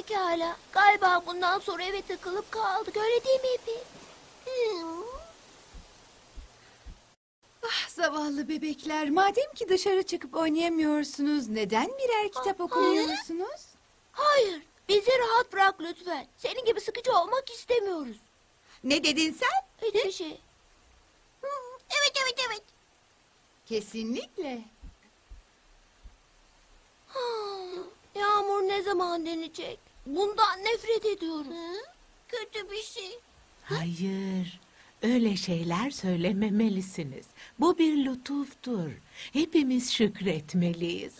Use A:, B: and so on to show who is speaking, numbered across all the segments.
A: Pekala. Galiba bundan sonra eve takılıp kaldık. Öyle değil mi Epi?
B: Ah, zavallı bebekler. Madem ki dışarı çıkıp oynayamıyorsunuz, neden birer kitap okumuyorsunuz?
A: Hayır. Bizi rahat bırak lütfen. Senin gibi sıkıcı olmak istemiyoruz.
B: Ne dedin sen?
A: Hiçbir şey. Evet.
B: Kesinlikle.
A: Yağmur ne zaman denecek? Bundan nefret ediyorum. Kötü bir şey.
C: Hayır, öyle şeyler söylememelisiniz. Bu bir lütuftur. Hepimiz şükretmeliyiz.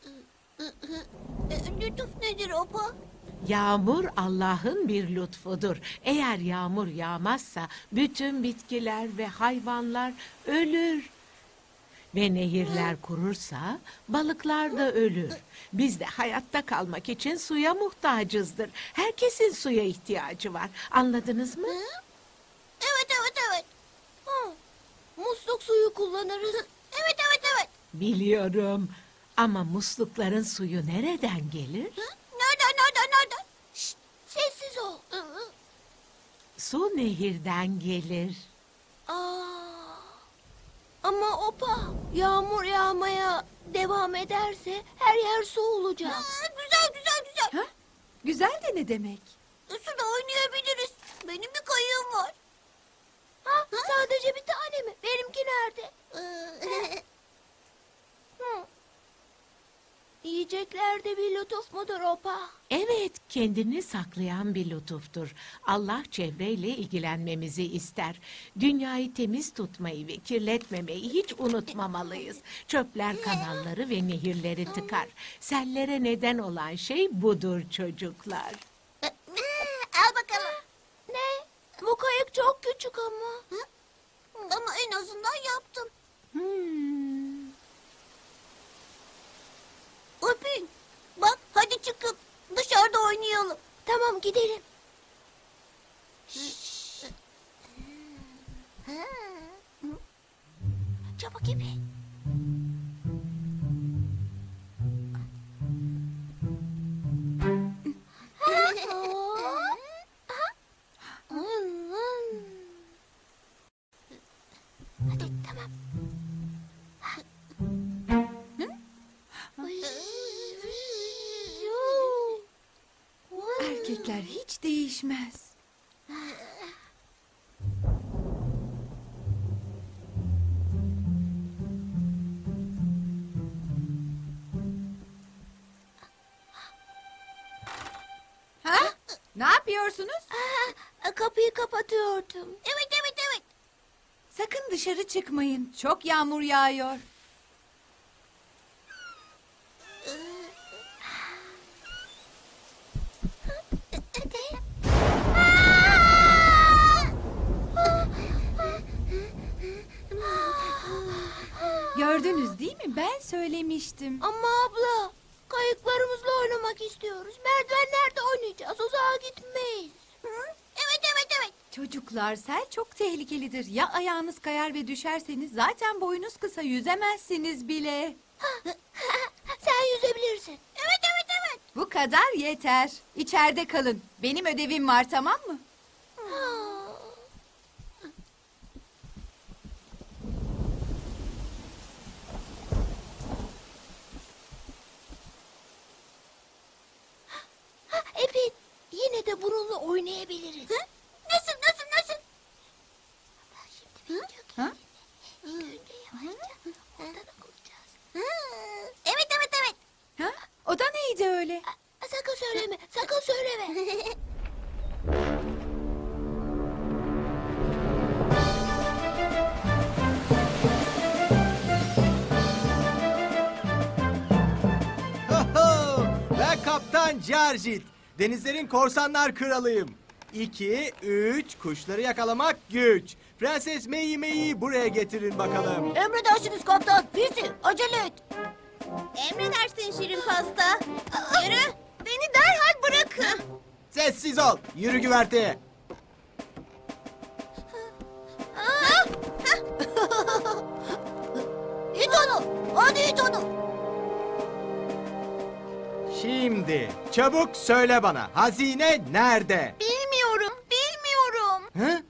A: Lütuf nedir Opa?
C: Yağmur Allah'ın bir lütfudur. Eğer yağmur yağmazsa bütün bitkiler ve hayvanlar ölür. Ve nehirler kurursa balıklar da ölür. Biz de hayatta kalmak için suya muhtacızdır. Herkesin suya ihtiyacı var. Anladınız mı?
A: Evet. Musluk suyu kullanırız. Evet.
C: Biliyorum. Ama muslukların suyu nereden gelir?
A: Nereden? Şşt, sessiz ol.
C: Su nehirden gelir.
A: Ama Opa, yağmur yağmaya devam ederse her yer su olacak. Güzel.
B: Ha? Güzel de ne demek?
A: Suda oynayabiliriz. Benim bir kayığım var. Sadece bir tane mi? Benimki nerede? Yiyecekler de bir lütuf mudur Opa?
C: Evet, kendini saklayan bir lütuftur. Allah çevreyle ilgilenmemizi ister. Dünyayı temiz tutmayı ve kirletmemeyi hiç unutmamalıyız. Çöpler kanalları ve nehirleri tıkar. Sellere neden olan şey budur çocuklar.
A: Al bakalım. Ne? Bu kayık çok küçük ama. Ama en azından yaptım. Öpün. Bak hadi çıkıp dışarıda oynayalım. Tamam gidelim. Çabuk gibi. Hadi tamam.
B: Erkekler hiç değişmez. Ha? Ne yapıyorsunuz?
A: Kapıyı kapatıyordum. Evet.
B: Sakın dışarı çıkmayın. Çok yağmur yağıyor.
A: Hadi.
B: Gördünüz değil mi? Ben söylemiştim.
A: Ama abla, kayıklarımızla oynamak istiyoruz. Merdivenlerde oynayacağız. Uzağa gitmeyiz. Evet.
B: Çocuklar, sel çok tehlikelidir. Ya ayağınız kayar ve düşerseniz zaten boyunuz kısa, yüzemezsiniz bile.
A: Sen yüzebilirsin. Evet.
B: Bu kadar yeter. İçeride kalın. Benim ödevim var, tamam mı?
A: Epi, yine de bununla oynayabiliriz. Nasıl? Ben şimdi video
B: Ha?
A: İlk önce yavaşça ondan okuyacağız. Evet.
B: Ha? O da neydi öyle?
A: Sakın söyleme.
D: Ben Kaptan Carjit. Denizlerin korsanlar kralıyım. 2, 3, kuşları yakalamak güç. Prenses Mei'yi buraya getirin bakalım.
A: Emredersiniz kaptan. Fisi, acele et. Emredersin Şirin Pasta. Yürü. Beni derhal bırakın.
D: Sessiz ol. Yürü güverteye.
A: İt onu. Hadi it onu.
D: Şimdi Şimdi çabuk söyle bana, hazine nerede?
A: Bilmiyorum, bilmiyorum.
D: Hı?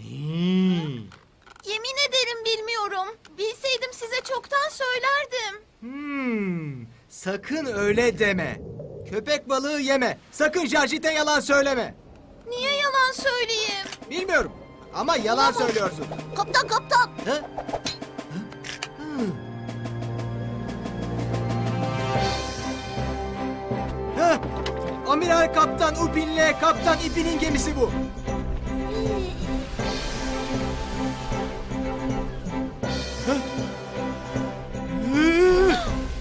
A: Yemin ederim bilmiyorum. Bilseydim size çoktan söylerdim.
D: Sakın öyle deme. Köpek balığı yeme. Sakın Jarjit'e yalan söyleme.
A: Niye yalan söyleyeyim?
D: Bilmiyorum ama yalan söylüyorsun.
A: Kaptan, kaptan.
D: Hı? Hı? Amiral Kaptan Upin'le Kaptan İpin'in gemisi bu. Hı? Hı?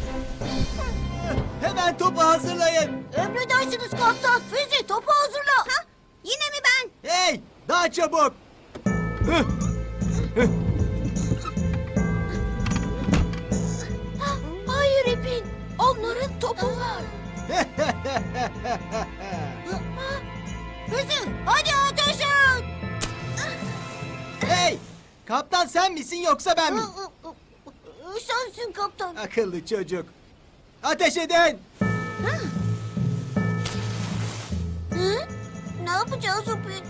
D: Hemen topu hazırlayın.
A: Emredersiniz kaptan. Füze topu hazırla. Ha? Yine mi ben?
D: Hey, daha çabuk. Hı?
A: Hayır İpin. Onların topu var. Füze hadi ateş et.
D: Hey, kaptan sen misin yoksa ben mi?
A: Sensin kaptan.
D: Akıllı çocuk. Ateş edin.
A: Hı? Ne yapacağız İpin?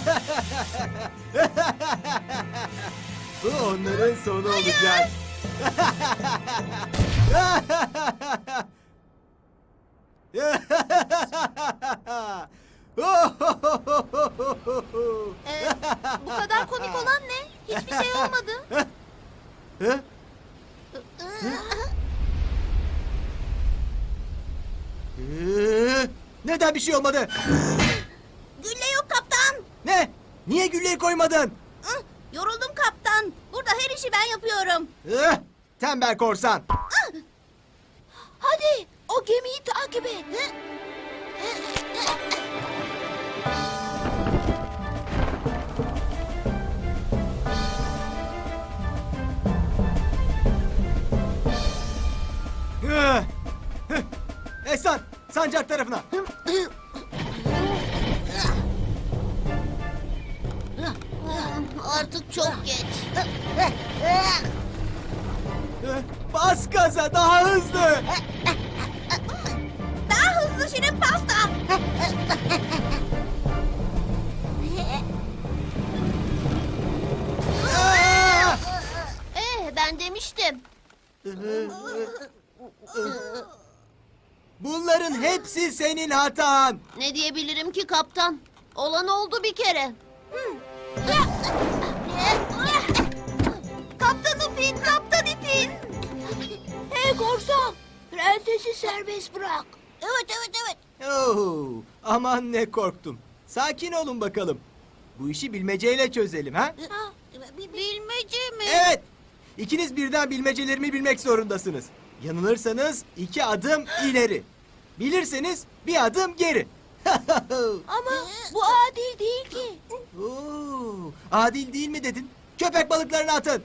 D: Bu onların sonu olacak.
A: Bu kadar komik olan ne? Hiçbir şey olmadı.
D: Hı? Neden bir şey olmadı?
A: Gülle yok kaptan.
D: Ne? Niye gülleyi koymadın?
A: Yoruldum kaptan. Burada her işi ben yapıyorum.
D: Tembel korsan.
A: Hadi o gemiyi takip et.
D: Ehsan, sancak tarafına.
A: Artık çok geç.
D: Bas gaza, daha hızlı.
A: Daha hızlı Şirin Pasta. Ben demiştim.
D: Bunların hepsi senin hatan.
A: Ne diyebilirim ki kaptan? Olan oldu bir kere. Kaptan İpin, Kaptan İpin. Hey korsan, prensesi serbest bırak. Evet, evet, evet.
D: Oo, aman ne korktum. Sakin olun bakalım. Bu işi bilmeceyle çözelim ha?
A: Bilmece mi?
D: Evet. İkiniz birden bilmecelerimi bilmek zorundasınız. Yanılırsanız 2 adım ileri. Bilirseniz 1 adım geri.
A: Ama bu adil değil ki.
D: Oo, adil değil mi dedin? Köpek balıklarını atın.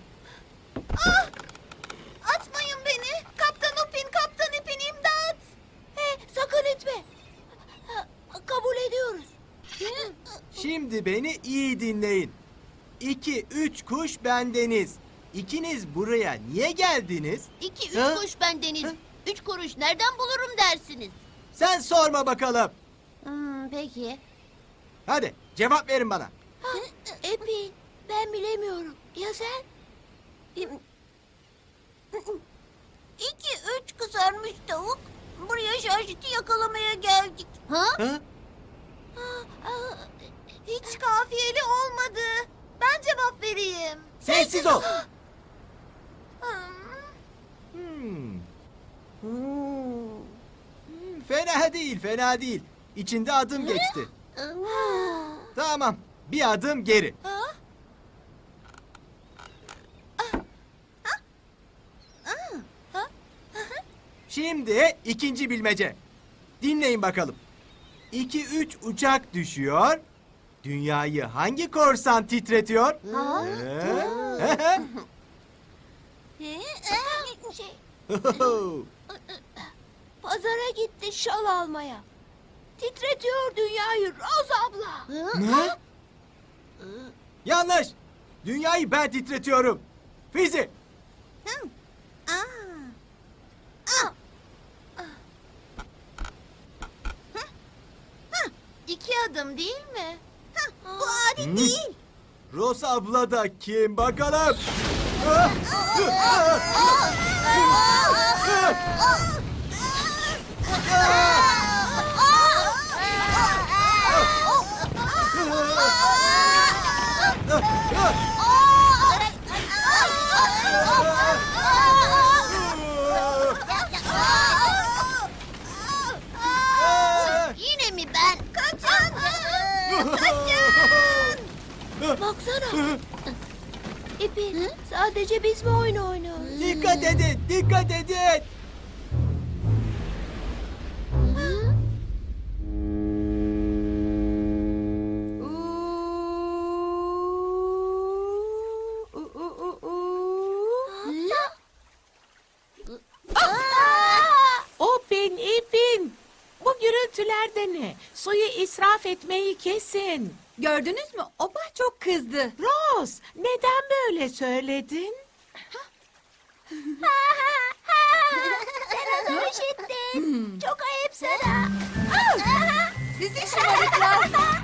A: Atmayın beni. Kaptan İpin, Kaptan İpin imdat. Hey, sakın etme. Kabul ediyoruz.
D: Şimdi beni iyi dinleyin. 2-3 kuş bendeniz. İkiniz buraya niye geldiniz?
A: 2-3
D: Ha?
A: kuş bendeniz.
D: Ha?
A: 3 kuruş nereden bulurum dersiniz?
D: Sen sorma bakalım.
A: Peki.
D: Hadi cevap verin bana.
A: Epey. Ben bilemiyorum. Ya sen? 2-3 kızarmış tavuk. Buraya Jarjit'i yakalamaya geldik. Ha?
D: Ha?
A: Hiç kafiyeli olmadı. Ben cevap vereyim.
D: Sessiz ol. Fena değil, fena değil. İçinde adım geçti. Tamam, 1 adım geri. Şimdi ikinci bilmece. Dinleyin bakalım. 2-3 uçak düşüyor. Dünyayı hangi korsan titretiyor?
A: Şey, pazara gitti şal almaya. Titretiyor dünyayı Roz abla.
D: Ne? Yanlış. Dünyayı ben titretiyorum. Fizi.
A: 2 adım değil mi? Bu adil değil.
D: Rose abla da kim bakalım?
A: Yine mi ben? Kaçın! Kaçın! Baksana. İpi, sadece biz mi oyun oynuyoruz?
D: Dikkat edin, dikkat edin.
C: Upin, ipin. Bu gürültülerde ne? Suyu israf etmeyi kesin.
B: Gördünüz mü? Oba çok kızdı.
C: Rose, neden böyle söyledin?
A: Sen onu işittin. Çok ayıp sana.
B: Sizi şımarıklar.